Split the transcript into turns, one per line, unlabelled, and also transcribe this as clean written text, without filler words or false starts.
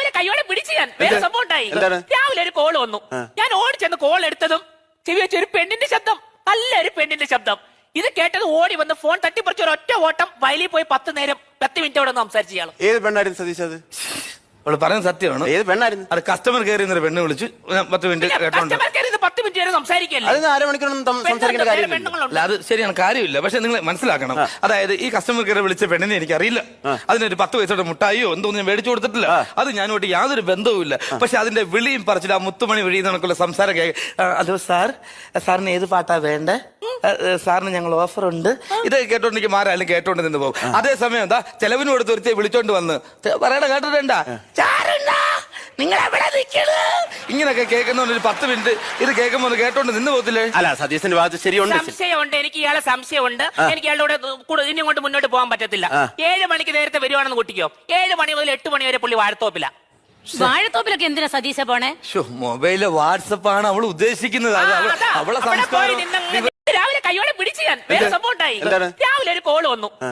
രാവിലെ കയ്യോടെ പിടിച്ചു ഞാൻ. വേറെ സംഭവം ഉണ്ടായി. രാവിലെ ഒരു കോൾ വന്നു. ഞാൻ ഓടിച്ചെന്ന് കോൾ എടുത്തതും ചെവി വെച്ച ഒരു പെണ്ണിന്റെ ശബ്ദം, നല്ലൊരു പെണ്ണിന്റെ ശബ്ദം. ഇത് കേട്ടത് ഓടി വന്ന് ഫോൺ തട്ടിപ്പറിച്ച് ഒരു ഒറ്റ ഓട്ടം വയലിൽ പോയി 10 മിനിറ്റ് അവിടെ സംസാരിച്ചു ഇയാൾ.
ഏത് പെണ്ണായിരുന്നു സതീഷ്? അത്
അവള് പറയുന്നത് സത്യമാണ്.
ഏത് പെണ്ണായിരുന്നു?
അത് കസ്റ്റമർ കെയർ എന്നൊരു പെണ്ണ് വിളിച്ചു 10 മിനിറ്റ് കേട്ടോണ്ട്.
10 മിനിറ്റ് വരെ സംസാരിക്കല്ലേ?
അത് അരമണിക്കൂറൊന്നും സംസാരിക്കേണ്ട കാര്യമില്ല.
അത് ശരിയാണ്, കാര്യമില്ല. പക്ഷെ നിങ്ങൾ മനസ്സിലാക്കണം, അതായത് ഈ കസ്റ്റമർ കെയർ വിളിച്ച പെണ്ണിനെ എനിക്ക് അറിയില്ല. അതിനൊരു 10 പൈസയുടെ മുട്ടായിയോ എന്തോന്നും ഞാൻ മേടിച്ചു കൊടുത്തിട്ടില്ല. അത് ഞാനോട്ട് യാതൊരു ബന്ധവുമില്ല. പക്ഷെ അതിന്റെ വിളിയും പറിച്ചില്ല, ആ മുത്തുമണി വിളിയിൽ നിന്നൊക്കെയുള്ള സംസാരം ഹലോ സാർ, സാറിന് ഏത് പാട്ടാ വേണ്ടേ, സാറിന് ഞങ്ങൾ ഓഫർ ഉണ്ട്, ഇത് കേട്ടോണ്ട് എനിക്ക് മാരായാലും കേട്ടോണ്ട് നിന്ന് പോകും. അതേസമയം എന്താ ചെലവിന് കൊടുത്ത് ഒരുത്തി വിളിച്ചോണ്ട് വന്ന് പറയണ കേട്ടിട്ടുണ്ടാ ഇങ്ങനൊക്കെ കേൾക്കുന്ന ഒരു 10 മിനിറ്റ് ഇത് കേൾക്കുമ്പോ കേട്ടോണ്ട് നിന്ന് പോകത്തില്ലേ?
അല്ല, സതീശന്റെ ഭാഗത്ത് ശരിയുണ്ട്.
സംശയമുണ്ട്, എനിക്ക് ഇയാളെ സംശയമുണ്ട്. എനിക്ക് ഇയാളുടെ കൂടെ ഇനി കൊണ്ട് മുന്നോട്ട് പോകാൻ പറ്റത്തില്ല. 7 മണിക്ക് നേരത്തെ വരുവാണെന്ന് കൂട്ടിക്കോ. 7 മണി മുതൽ 8 മണി വരെ പുള്ളി വാഴത്തോപ്പില്ല.
വാഴത്തോപ്പിലൊക്കെ എന്തിനാ സതീശ പോണേ?
മൊബൈല് വാട്സപ്പാണ് അവൾ ഉദ്ദേശിക്കുന്നത്. അവളെ സംസ്കാരം
രാവിലെ കയ്യോടെ പിടിച്ചു ഞാൻ. വേറെ സംഭവം ഉണ്ടായി. രാവിലെ ഒരു കോൾ വന്നു.